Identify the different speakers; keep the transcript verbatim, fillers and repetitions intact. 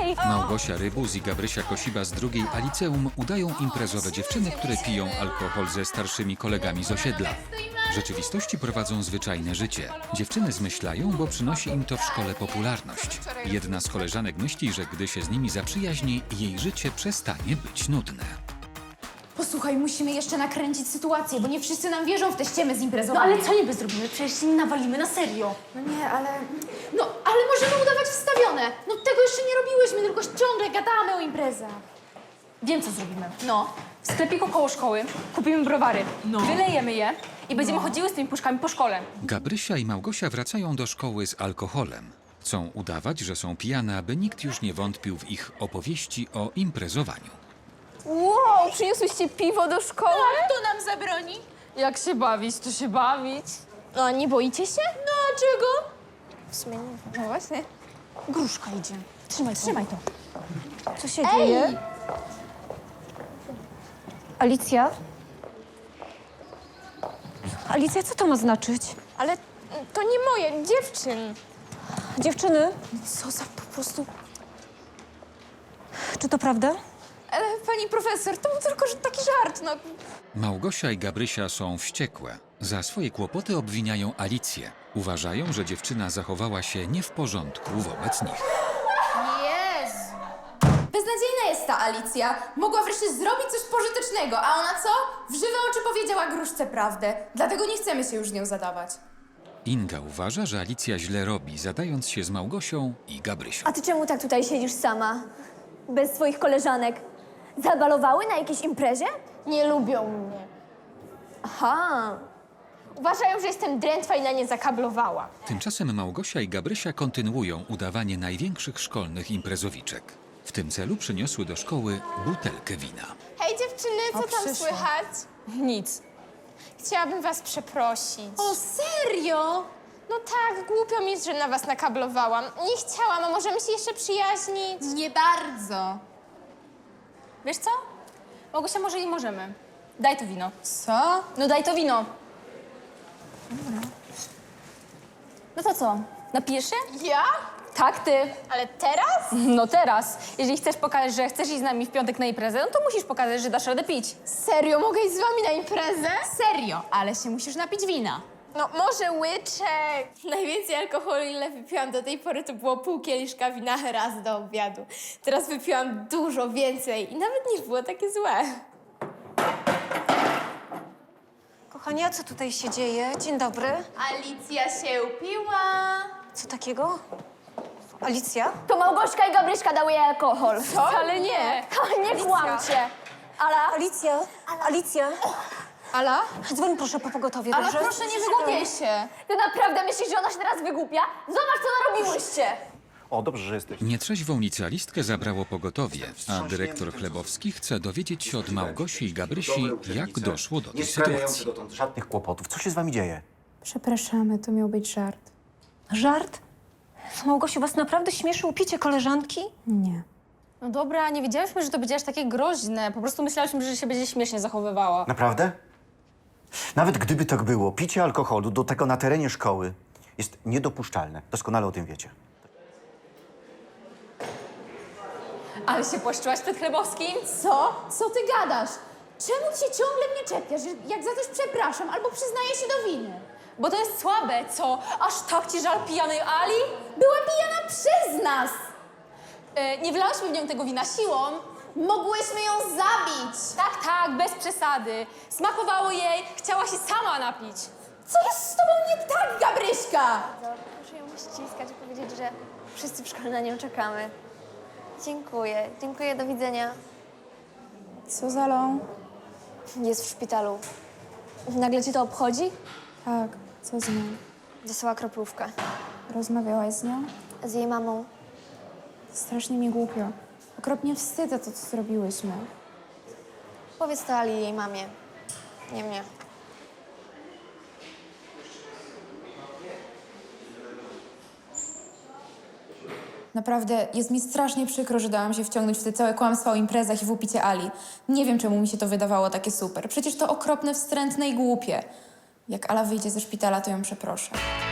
Speaker 1: Ej!
Speaker 2: Małgosia Rybuz i Gabrysia Kosiba z drugiej A liceum udają imprezowe dziewczyny, które piją alkohol ze starszymi kolegami z osiedla. W rzeczywistości prowadzą zwyczajne życie. Dziewczyny zmyślają, bo przynosi im to w szkole popularność. Jedna z koleżanek myśli, że gdy się z nimi zaprzyjaźni, jej życie przestanie być nudne.
Speaker 3: Posłuchaj, musimy jeszcze nakręcić sytuację, bo nie wszyscy nam wierzą w te ściemy z imprezą.
Speaker 1: No ale co niby zrobimy? Przecież się nie nawalimy na serio.
Speaker 3: No nie, ale... No, ale możemy udawać wstawione. No tego jeszcze nie robiłyśmy, tylko ciągle gadamy o imprezach.
Speaker 1: Wiem, co zrobimy.
Speaker 3: No.
Speaker 1: W sklepiku koło szkoły kupimy browary, no. wylejemy je i będziemy chodziły z tymi puszkami po szkole.
Speaker 2: Gabrysia i Małgosia wracają do szkoły z alkoholem. Chcą udawać, że są pijane, aby nikt już nie wątpił w ich opowieści o imprezowaniu.
Speaker 4: Wow, przyniosłyście piwo do szkoły?
Speaker 3: Kto nam zabroni?
Speaker 1: Jak się bawić, to się bawić.
Speaker 4: No, nie boicie się?
Speaker 3: No, a czego?
Speaker 4: W sumie nie. No właśnie.
Speaker 1: Gruszka idzie. Trzymaj, trzymaj to.
Speaker 4: Co się dzieje? Alicja? Alicja, co to ma znaczyć? Ale to nie moje, dziewczyn. Dziewczyny?
Speaker 3: Co za po prostu...
Speaker 4: Czy to prawda?
Speaker 3: Ale pani profesor, to był tylko że taki żart, no.
Speaker 2: Małgosia i Gabrysia są wściekłe. Za swoje kłopoty obwiniają Alicję. Uważają, że dziewczyna zachowała się nie w porządku wobec nich.
Speaker 3: Jezu. Beznadziejna jest ta Alicja. Mogła wreszcie zrobić coś pożytecznego, a ona co? W żywe oczy powiedziała gruszce prawdę. Dlatego nie chcemy się już z nią zadawać.
Speaker 2: Inga uważa, że Alicja źle robi, zadając się z Małgosią i Gabrysią.
Speaker 5: A ty czemu tak tutaj siedzisz sama? Bez swoich koleżanek? Zabalowały na jakiejś imprezie?
Speaker 4: Nie lubią mnie.
Speaker 5: Aha.
Speaker 4: Uważają, że jestem drętwa i na nie zakablowała.
Speaker 2: Tymczasem Małgosia i Gabrysia kontynuują udawanie największych szkolnych imprezowiczek. W tym celu przyniosły do szkoły butelkę wina.
Speaker 4: Hej dziewczyny, co
Speaker 3: O,
Speaker 4: tam
Speaker 3: przyszła.
Speaker 4: słychać?
Speaker 1: Nic.
Speaker 4: Chciałabym was przeprosić.
Speaker 3: O, serio?
Speaker 4: No tak, głupio mi, że na was nakablowałam. Nie chciałam, a możemy się jeszcze przyjaźnić?
Speaker 3: Nie bardzo.
Speaker 1: Wiesz co? Małgosia, może i możemy. Daj to wino.
Speaker 3: Co?
Speaker 1: No daj to wino. No to co? Napijesz się?
Speaker 4: Ja?
Speaker 1: Tak, ty.
Speaker 4: Ale teraz?
Speaker 1: No teraz. Jeżeli chcesz pokazać, że chcesz iść z nami w piątek na imprezę, no to musisz pokazać, że dasz radę pić.
Speaker 4: Serio, mogę iść z wami na imprezę?
Speaker 3: Serio, ale się musisz napić wina.
Speaker 4: No może łyczek. Najwięcej alkoholu, ile wypiłam do tej pory, to było pół kieliszka wina raz do obiadu. Teraz wypiłam dużo więcej i nawet nie było takie złe.
Speaker 6: Kochani, a co tutaj się dzieje? Dzień dobry.
Speaker 3: Alicja się upiła.
Speaker 6: Co takiego? Alicja?
Speaker 5: To Małgośka i Gabryśka dały jej alkohol.
Speaker 1: Wcale nie.
Speaker 5: Nie kłamcie. Ala?
Speaker 6: Alicja? Alicja?
Speaker 3: Ala?
Speaker 6: Dzwoń proszę po pogotowie,
Speaker 3: Ale
Speaker 6: dobrze?
Speaker 3: proszę, nie wygłupiaj się.
Speaker 5: Ty naprawdę myślisz, że ona się teraz wygłupia? Zobacz, co narobiłyście.
Speaker 7: O, dobrze, że jesteś.
Speaker 2: Nietrzeźwą licealistkę zabrało pogotowie, a dyrektor Chlebowski chce dowiedzieć się od Małgosi i Gabrysi, jak doszło do tej
Speaker 7: Nie sprawiający
Speaker 2: sytuacji.
Speaker 7: dotąd żadnych kłopotów. Co się z wami dzieje?
Speaker 3: Przepraszamy, to miał być żart.
Speaker 6: Żart? Małgosiu, was naprawdę śmieszy upicie koleżanki?
Speaker 3: Nie.
Speaker 1: No dobra, nie wiedziałyśmy, że to będzie aż takie groźne. Po prostu myślałyśmy, że się będzie śmiesznie zachowywała.
Speaker 7: Naprawdę? Nawet gdyby tak było, picie alkoholu, do tego na terenie szkoły, jest niedopuszczalne. Doskonale o tym wiecie.
Speaker 1: Ale się płaszczyłaś przed Chlebowskim?
Speaker 3: Co? Co ty gadasz? Czemu ty się ciągle mnie czepiasz, że jak za coś przepraszam albo przyznaję się do winy?
Speaker 1: Bo to jest słabe, co? Aż tak ci żal pijanej Ali?
Speaker 3: Była pijana przez nas!
Speaker 1: E, nie wlałyśmy w nią tego wina siłą.
Speaker 3: Mogłyśmy ją zabić!
Speaker 1: Tak, tak, bez przesady. Smakowało jej, chciała się sama napić.
Speaker 3: Co jest z tobą nie tak, Gabryśka?
Speaker 5: Proszę ją ściskać i powiedzieć, że wszyscy w szkole na nią czekamy. Dziękuję. Dziękuję, do widzenia.
Speaker 3: Co za lą?
Speaker 5: Jest w szpitalu. Nagle cię to obchodzi?
Speaker 3: Tak, co z nią?
Speaker 5: Dostała kroplówkę.
Speaker 3: Rozmawiałaś z nią?
Speaker 5: Z jej mamą.
Speaker 3: Strasznie mi głupio. Okropnie wstyd za to, co zrobiłyśmy.
Speaker 5: Powiedz to Ali i jej mamie. Nie mnie.
Speaker 3: Naprawdę, jest mi strasznie przykro, że dałam się wciągnąć w te całe kłamstwa o imprezach i w upicie Ali. Nie wiem, czemu mi się to wydawało takie super. Przecież to okropne, wstrętne i głupie. Jak Ala wyjdzie ze szpitala, to ją przeproszę.